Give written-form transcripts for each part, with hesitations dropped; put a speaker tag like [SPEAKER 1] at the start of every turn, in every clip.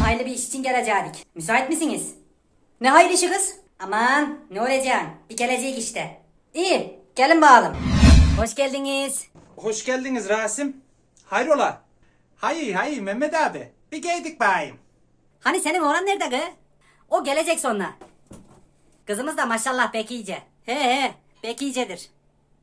[SPEAKER 1] hayırlı bir iş için gelecektik. Müsait misiniz? Ne hayırlı işi kız? Aman ne olacak? Bir gelecek işte. İyi gelin bakalım. Hoş geldiniz.
[SPEAKER 2] Hoş geldiniz Rasim. Hayrola? Hayır Mehmet abi. Bir geldik bayım.
[SPEAKER 1] Hani senin oğlan nerede kız? O gelecek sonra. Kızımız da maşallah pek iyice. He pek iyicedir.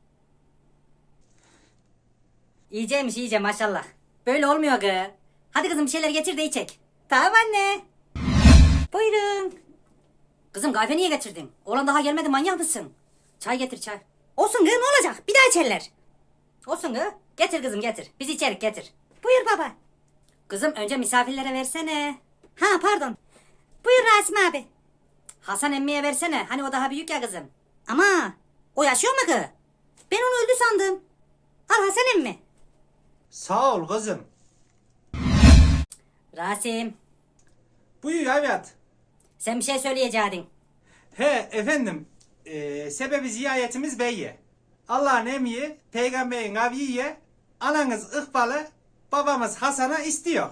[SPEAKER 1] İyiceymiş iyice maşallah. Böyle olmuyor kız. Hadi kızım bir şeyler getir de içek. Tamam anne. Buyurun. Kızım kahve niye getirdin? Oğlan daha gelmedi manyak mısın? Çay getir çay. Olsun kız ne olacak? Bir daha içerler. Olsun kız. Getir kızım getir. Biz içerik getir. Buyur baba. Kızım önce misafirlere versene. Ha pardon. Buyur Rasim abi. Hasan emmiye versene. Hani o daha büyük ya kızım. Ama o yaşıyor mu kız? Ben onu öldü sandım. Al Hasan emmi.
[SPEAKER 2] Sağ ol kızım.
[SPEAKER 1] Rasim
[SPEAKER 2] Buyur evlat.
[SPEAKER 1] sen bir şey söyleyecektin.
[SPEAKER 2] He efendim. Sebebi ziyaretimiz beyye. Allah'ın emri, peygamberin aviye, ananız İkbal'ı, babamız Hasan'a istiyor.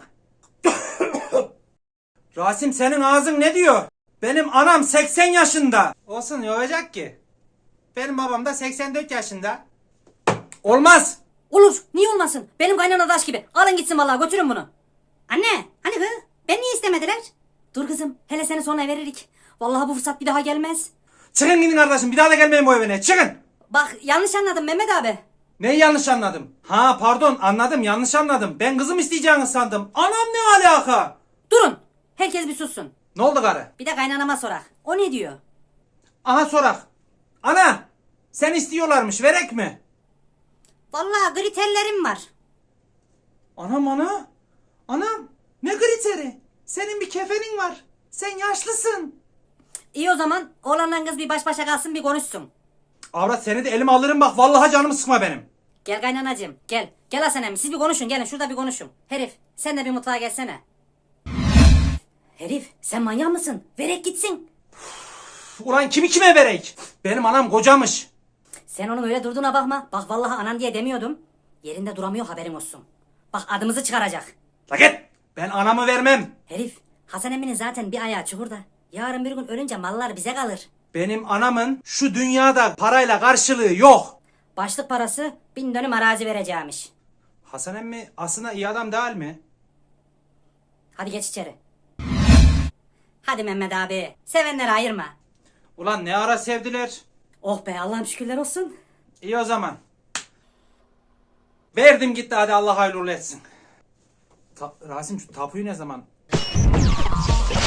[SPEAKER 2] Rasim senin ağzın ne diyor? Benim anam 80 yaşında. Olsun ne olacak ki? Benim babam da 84 yaşında. Olmaz.
[SPEAKER 1] Olur niye olmasın? Benim kaynana daş gibi. Alın gitsin vallahi götürün bunu. Anne hani kız? Ben niye istemediler? Dur kızım hele seni sonra veririk. Vallahi bu fırsat bir daha gelmez.
[SPEAKER 2] Çıkın gidin kardeşim, bir daha da gelmeyin bu evine, çıkın.
[SPEAKER 1] Bak yanlış anladım Mehmet abi.
[SPEAKER 2] Neyi yanlış anladım? Ha pardon, anladım, yanlış anladım. Ben kızım isteyeceğini sandım. Anam ne alaka?
[SPEAKER 1] Durun. Herkes bir sussun.
[SPEAKER 2] Ne oldu karı?
[SPEAKER 1] Bir de kaynanama sorak. O ne diyor?
[SPEAKER 2] Aha sorak. Ana, sen istiyorlarmış, verek mi?
[SPEAKER 1] Vallahi kriterlerim var.
[SPEAKER 2] Anam ana. Anam, ne kriteri? Senin bir kefenin var. Sen yaşlısın.
[SPEAKER 1] İyi o zaman oğlanla kız bir baş başa kalsın bir konuşsun.
[SPEAKER 2] Avrat seni de elime alırım bak, vallahi canımı sıkma benim.
[SPEAKER 1] Gel kaynanacığım gel. Gel Hasan emmi siz bir konuşun gelin şurada bir konuşun. Herif sen de bir mutfağa gelsene. Herif sen manyak mısın? Verek gitsin.
[SPEAKER 2] Ulan kimi kime verek? Benim anam kocamış.
[SPEAKER 1] Sen onun öyle durduğuna bakma. Bak vallahi anan diye demiyordum. Yerinde duramıyor haberin olsun. Bak adımızı çıkaracak.
[SPEAKER 2] La git. Ben anamı vermem.
[SPEAKER 1] Herif Hasan emminin zaten bir ayağı çukurda. Yarın bir gün ölünce mallar bize kalır.
[SPEAKER 2] Benim anamın şu dünyada parayla karşılığı yok.
[SPEAKER 1] Başlık parası 1000 dönüm arazi vereceğimiş.
[SPEAKER 2] Hasan emmi aslında iyi adam değil mi?
[SPEAKER 1] Hadi geç içeri. Hadi Mehmet abi. Sevenleri ayırma.
[SPEAKER 2] Ulan ne ara sevdiler.
[SPEAKER 1] Oh be Allah'ım şükürler olsun.
[SPEAKER 2] İyi o zaman. Verdim gitti, hadi Allah hayırlı uğurlu etsin. Rasim şu tapuyu ne zaman?